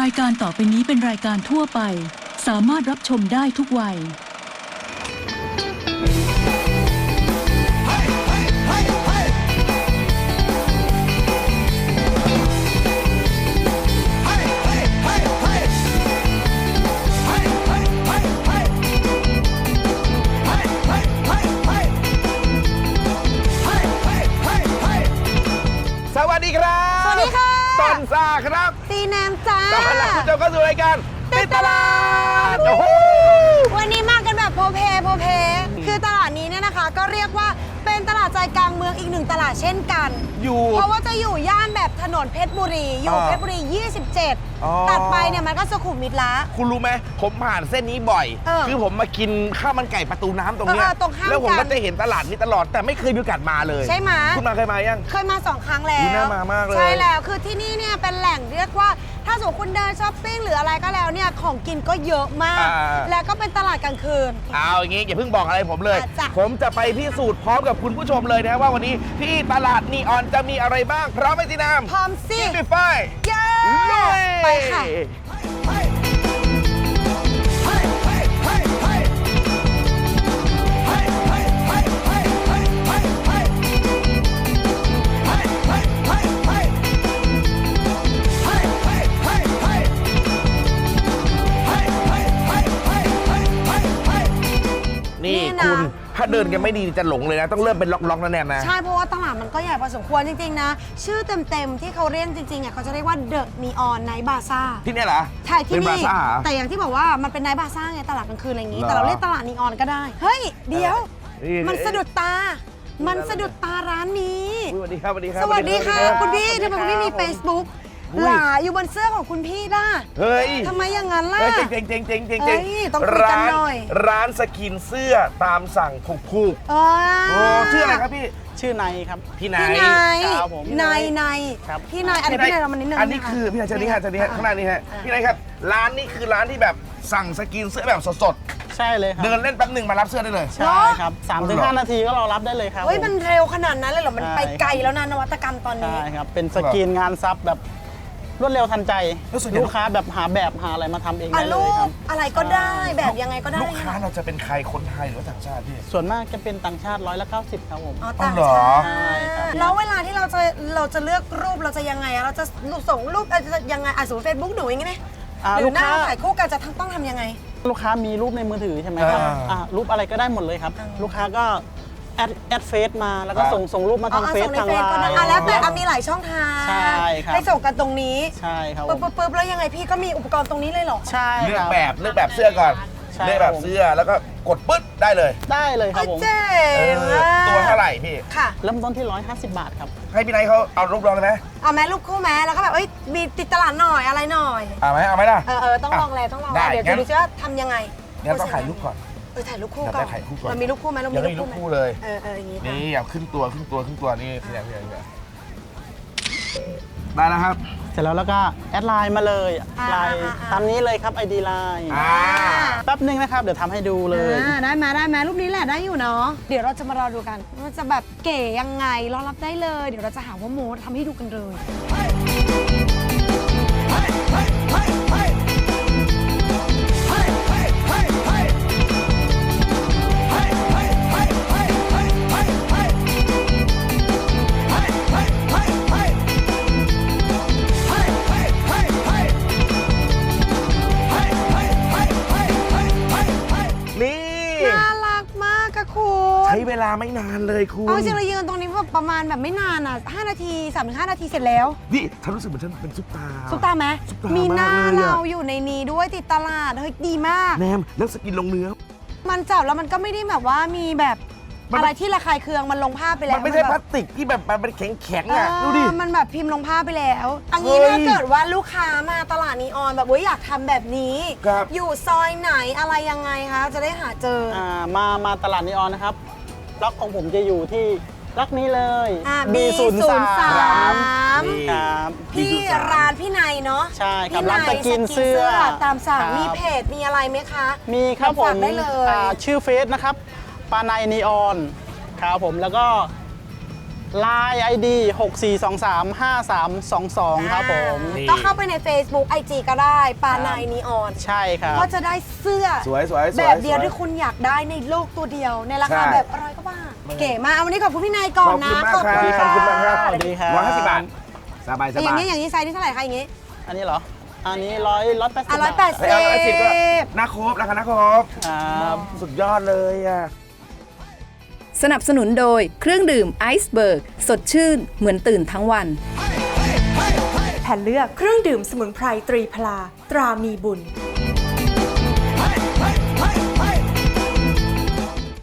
ายการต่อไปนี้เป็นรายการทั่วไปสามารถรับชมได้ทุกวัยสวัสดีครับสวัสดีค่ะต้นซ่าครับตีแนมจ้าต้อนรับคุณผู้ชมเข้าสู่รายการติดตลาดโอ้โหวันนี้มากันแบบโพเพคือตลาดนี้เนี่ยนะคะ ก็เรียกว่าเป็นตลาดใจกลางเมืองอีกหนึ่งตลาดเช่นกันอยู่เพราะว่าจะอยู่ย่านแบบถนนเพชรบุรีอยู่เพชรบุรี 27 ตัดไปเนี่ยมันก็สุขุมวิทละคุณรู้ไหมผมผ่านเส้นนี้บ่อย คือผมมากินข้าวมันไก่ประตูน้ำตรงเนี้ยตรงข้ามกันแล้วผมก็จะเห็นตลาดนี้ตลอดแต่ไม่เคยมีโอกาสมาเลยใช่ไหมคุณมาเคยมายังเคยมา2 ครั้งแล้วน่ามามากเลยใช่แล้วคือที่นี่เนี่ยเป็นแหล่งเรียกว่าถ้าสมมติคุณเดินช้อปปิ้งหรืออะไรก็แล้วเนี่ยของกินก็เยอะมาก แล้วก็เป็นตลาดกลางคืนเอาอย่างงี้อย่าเพิ่งบอกอะไรผมเลยจ้ะผมจะไปพิสูจน์พร้อมกับคุณผู้ชมเลยนะว่าวันนี้ที่ตลาดนีออนจะมีอะไรบ้างพร้อมไหมจีนามพร้อมสิกินด้วยไฟเย้ลุยไปค่ะนี่นี่นะคุณถ้าเดินกันไม่ดีจะหลงเลยนะ ต้องเริ่มเป็นล็อกๆนะแนนนะใช่เพราะว่าตลาดมันก็ใหญ่พอสมควรจริง ๆ นะ ชื่อเต็ม ๆ ที่เขาเรียกจริงๆอ่ะเขาจะเรียกว่าเดอะนีออนไนท์บาซ่าที่เนี่ยเหรอใช่ที่เป็นบรานี่ซ่าเหรอแต่อย่างที่บอกว่ามันเป็นไนท์บาซ่าไงตลาดกลางคืนอะไรอย่างงี้เหรอแต่เราเรียกตลาดนีออนก็ได้ เฮ้ย เดี๋ยวนี่มันสะดุดตา มันสะดุดตาร้านนี้อุ๊ยสวัสดีครับสวัสดีครับสวัสดีค่ะรับคุณพี่สวัสทำไมคุณพี่มีรับ Facebook อุ้ยหลาอยู่บนเสื้อของคุณพี่ด้าเฮ้ยทำไมอย่างนั้นล่ะเฮ้ยเจ๋งๆๆๆๆเฮ้ยต้องคุยกันหน่อยร้านสกินเสื้อตามสั่งถูกอ๋อๆโอ้ชื่ออะไรครับพี่ชื่อนายครับพี่ไนพี่ท์นายครับผมนายครับพี่นายอันนี้พี่นายเรามานิดนึงอันนี้คือพี่นายเชิญนี่ฮะเชิญนี่ฮะข้างหน้านี้ฮะพี่นายครับร้านนี้คือร้านที่แบบสั่งสกินเสื้อแบบสดใช่เลยคๆรับเดินเล่นแป๊บหนึ่งมารับเสื้อได้เลยใช่ครับ3-5 นาทีก็รอรับได้เลยครับเฮ้ยผมมันเร็วขนาดนั้นเลยเหรอ มันใช่ไปไกลแล้วนะนวัตกรรมตอนนี้ใช่ครับ เป็นสกรีนงานซับแบบรวดเร็วทันใจแล้วส่วนใหญ่ลูกค้าแบบหาแบบหาอะไรมาทำเองอ่ะได้เลรูยครัปบอะไรก็ได้แบบยังไงก็ได้ลูกค้าเราจะเป็นใครคนไทยหรือว่าต่างชาติพี่ส่วนมากจะเป็นต่างชาติ190ครับผมอ๋อต่างอ๋อเหรอชาติใช่ครับแล้วเวลาที่เราจะเลือกรูปเราจะยังไงอะเราจะส่งรูปจะยังไงสมมติเฟซบุ๊กหนูอย่างงี้ไหมหรือลูกหน้าค้าถ่ายคู่กันจะต้องทำยังไงลูกค้ามีรูปในมือถือใช่ไหมครับรูปอะไรก็ได้หมดเลยครับ ลูกค้าก็แอดเฟซมาแล้วก็ส่งรูปมาทางเฟซส่งในทางเฟไลซก็ได้น์แล้วแต่มีหลายช่องทางใช่ครับให้ส่งกันตรงนี้ใช่ครับผมปึ๊บแล้วยังไงพี่ก็มีอุปกรณ์ตรงนี้เลยเหรอใช่เลือคกรับแบบเสื้อก่อนใช่เลือกแบบเสื้อแล้วก็กดปึ๊ดได้เลยได้เลยครับผมเจ๋เอง ออะตัวเท่าไหร่พี่ค่ะเริ่มต้นที่150 บาทครับให้พี่ไนท์เขาเอารูปลองเลยไหมเอาแม่รูปคู่แม่แล้วก็แบบมีติดตลาดหน่อยอะไรหน่อยเอาไหมล่ะต้องลองแล้วต้องลองได้แล้วเดี๋ยวงั้จะนดูซิว่าทำยังไงงั้นต้องถ่ายรูปก่อนถ่ายรูปคู่เดี๋ยวก่อนได้ถ่ายคู่ก่อนมันมีรูปคู่ไหมเรายัมีงรูไม่ปมีรูคู่ปไหมคู่เลยอย่างนี้นี่เอาขึ้นตัวนี่พี่ไนท์ได้แล้วครับเสร็จแล้วก็แอดไลน์มาเลยไลน์ตามนี้เลยครับ ID ไลน์ แป๊บนึงนะครับ เดี๋ยวทำให้ดูเลยได้ไหมรูปนี้แหละได้อยู่เนาะเดี๋ยวเราจะมารอดูกันว่าจะแบบเก๋ยังไงรอรับได้เลย เดี๋ยวเราจะหาว่าโมทำให้ดูกันเลยนี่น่ารักมากอะคุณใช้เวลาไม่นานเลยคุณเอาจริงเรายืนตรงนี้ประมาณแบบไม่นานอ่ะ5 นาที 3-5 นาทีเสร็จแล้วนี่ฉันรู้สึกเหมือนฉันเป็นซุปตาร์ซุปตาไหมซุปตาร์มีหน้ามากเลยอะเราอยู่ในนี้ด้วยติดตลาดเฮ้ยดีมากแนมแล้วสกินลงเนื้อมันจับแล้วมันก็ไม่ได้แบบว่ามีแบบมันอะไรที่ระคายเคืองมันลงภาพไปแล้วมันไม่ใช่พแบลาบสติกที่แบบมันเป็นแข็งๆอ่ะดูดิมันแบบพิมพ์ลงภาพไปแล้วอันนี้เฮ้ยถ้าเกิดว่าลูกค้ามาตลาดนีออนแบบว่าอยากทำแบบนี้ครับอยู่ซอยไหนอะไรยังไงคะจะได้หาเจอมาตลาดนีออนนะครับล็อกของผมจะอยู่ที่ล็อกนี้เลย B03 ครับที่ร้านพี่นายเนาะใช่ครับพี่ร้านสกินเสื้อตามสั่งครับมีเพจมีอะไรไหมคะมีครับผฝาม กได้เลยชื่อเฟซนะครับปานายนีออนครับผมแล้วก็ Line ID 64235322 ครับผมนี่ก็เข้าไปใน Facebook IG ก็ได้ปานายนีออนใช่ครับก็จะได้เสื้อสวยสวยสวยแบบเดียวสที่คุณอยากได้ในโลกตัวเดียว ในราคาใช่แบบ100 กว่าบาทเก๋มากวันนี้ขอบคุณพี่นายก่อนนะขอบคุณมากครับขอบคุณครับ 150 บาท สบายสอย่าบาง ยนี้อย่างนี้ไซส์ที่เท่าไหร่คะอย่างนี้อันนี้เหรอ อันนี้180 อ่ะบาท 180 เฮ้ย110ก็น่าครบราคาน่าครบครับสุดยอดเลยอ่ะสนับสนุนโดยเครื่องดื่มไอซ์เบิร์กสดชื่นเหมือนตื่นทั้งวันแผ่นเลือกเครื่องดื่มสมุนไพรตรีพลาตรามีบุญ